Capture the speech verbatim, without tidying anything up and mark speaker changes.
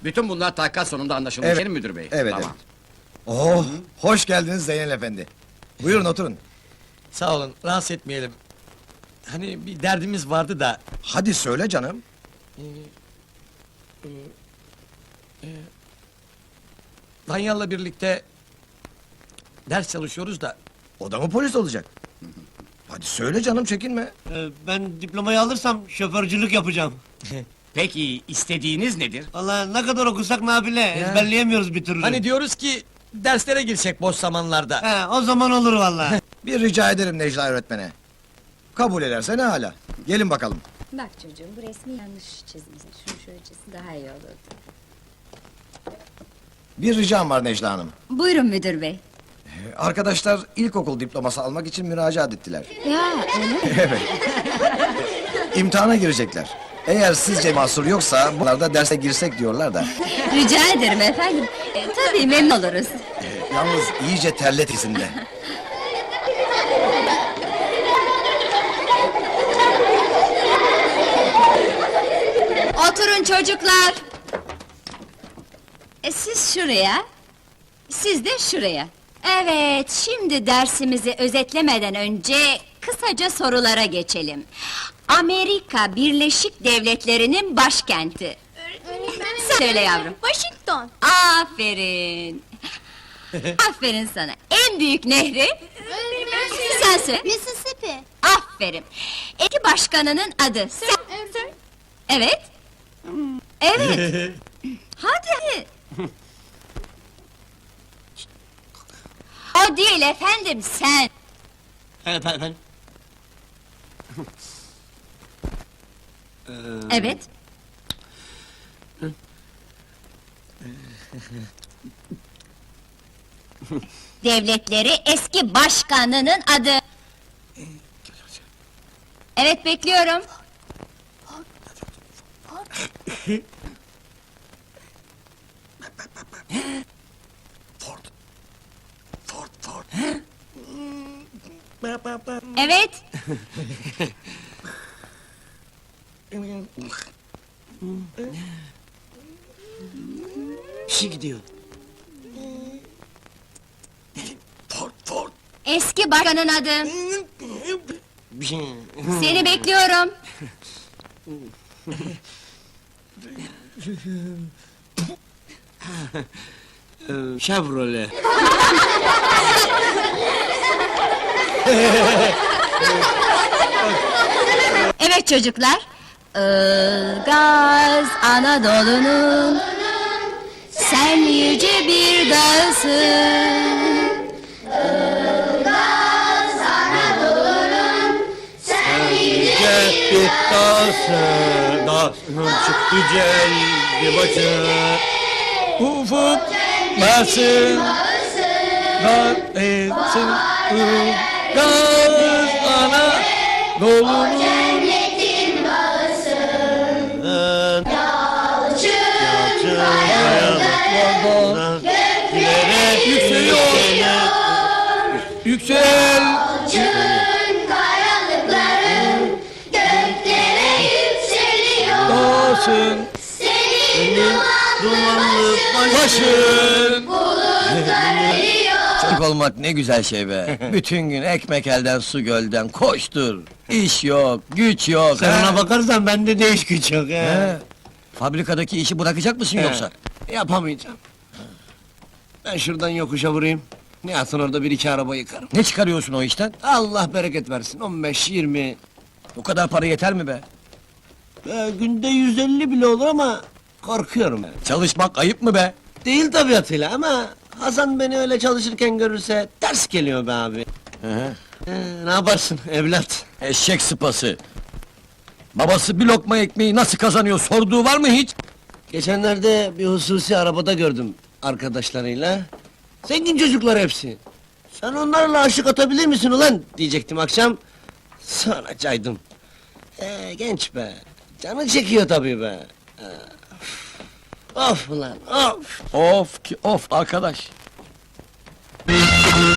Speaker 1: Bütün bunlar takas sonunda anlaşılmış
Speaker 2: Evet,
Speaker 1: değil mi müdür bey?
Speaker 2: evet,
Speaker 1: Tamam.
Speaker 2: Oh, hoş geldiniz Zeynel efendi. Buyurun oturun.
Speaker 3: Sağ olun, rahatsız etmeyelim. Hani bir derdimiz vardı da...
Speaker 2: Hadi söyle canım.
Speaker 3: Danyal'la birlikte... ...ders çalışıyoruz da...
Speaker 2: O da mı polis olacak? Hadi söyle canım, çekinme.
Speaker 4: Ee, ben diplomayı alırsam şoförcülük yapacağım.
Speaker 1: Peki istediğiniz nedir?
Speaker 4: Vallahi ne kadar okusak nafile, ezberleyemiyoruz bir türlü.
Speaker 3: Hani diyoruz ki... ...derslere girsek boş zamanlarda.
Speaker 4: He, o zaman olur vallahi.
Speaker 2: Bir rica ederim Necla öğretmene. Kabul ederse ne hala. Gelin bakalım.
Speaker 5: Bak çocuğum, bu resmi yanlış çizmişsin. Şunu şöyle çizsin, daha iyi olurdu.
Speaker 2: Bir ricam var Necla Hanım.
Speaker 5: Buyurun müdür bey.
Speaker 2: Arkadaşlar ilkokul diploması almak için müracaat ettiler.
Speaker 5: Ya, öyle mi?
Speaker 2: Evet. İmtihana girecekler. Eğer sizce mahsur yoksa bunlar da derse girsek diyorlar da.
Speaker 5: Rica ederim efendim. E, tabii memnun oluruz.
Speaker 2: Yalnız iyice terlet izinde.
Speaker 5: Oturun çocuklar. E, siz şuraya, siz de şuraya. Evet, şimdi dersimizi özetlemeden önce kısaca sorulara geçelim. Amerika Birleşik Devletleri'nin başkenti. Sen söyle yavrum.
Speaker 6: Washington.
Speaker 5: Aferin. Aferin sana. En büyük nehri? Sen söyle.
Speaker 6: Mississippi.
Speaker 5: Aferin. Eki başkanının adı. Sen... Evet. Evet. Hadi. O değil efendim, sen.
Speaker 4: Evet efendim.
Speaker 5: Evet. Devletleri eski başkanının adı. Evet, bekliyorum.
Speaker 2: Ford. Ford, Ford.
Speaker 5: Evet.
Speaker 4: Bir şey gidiyor.
Speaker 2: Ford, Ford.
Speaker 5: Eski başkanın adı.
Speaker 4: Bir şey...
Speaker 5: Seni bekliyorum.
Speaker 4: Ee, Chevrolet.
Speaker 5: Evet çocuklar. Ilgaz Anadolu'nun sen yüce bir dağısın. Ilgaz Anadolu'nun sen yüce
Speaker 4: Bir dağsı, dağsının çıktı celdi başı.
Speaker 3: Ufuk basın, dar etsin, ılgaz ana dolunun.
Speaker 4: Yalçın kayalıklardan gülerek yükseliyor.
Speaker 3: Yüksel!
Speaker 6: Kayalıkların göklere yükseliyor.
Speaker 3: Dağsın,
Speaker 4: Senin dumanlı başın.
Speaker 3: başın!
Speaker 6: Bulutlar eriyor.
Speaker 3: Çocuk olmak ne güzel şey be! Bütün gün ekmek elden su gölden koştur! İş yok, güç yok!
Speaker 4: Sen
Speaker 3: ha?
Speaker 4: ona bakarsan bende de iş güç yok
Speaker 3: He.
Speaker 4: ya.
Speaker 3: Fabrikadaki işi bırakacak mısın
Speaker 4: He.
Speaker 3: yoksa?
Speaker 4: Yapamayacağım. Ben şuradan yokuşa vurayım. Ne yapsın orada bir iki araba yıkarım.
Speaker 3: Ne çıkarıyorsun o işten?
Speaker 4: Allah bereket versin. on beş yirmi.
Speaker 3: Bu kadar para yeter mi be?
Speaker 4: Ee, günde yüz elli bile olur ama korkuyorum ben.
Speaker 3: Çalışmak ayıp mı be?
Speaker 4: Değil tabiatıyla ama Hasan beni öyle çalışırken görürse ters geliyor be abi.
Speaker 3: Hı hı.
Speaker 4: Ee, ne yaparsın evlat?
Speaker 3: Eşek sıpası! Babası bir lokma ekmeği nasıl kazanıyor sorduğu var mı hiç?
Speaker 4: Geçenlerde bir hususi arabada gördüm arkadaşlarıyla. Zengin çocuklar hepsi. Sen onlarla aşık atabilir misin ulan diyecektim akşam. Sonra caydım. Ee, genç be. Canı çekiyor tabii be. Ee, of ulan of.
Speaker 3: Of ki of arkadaş!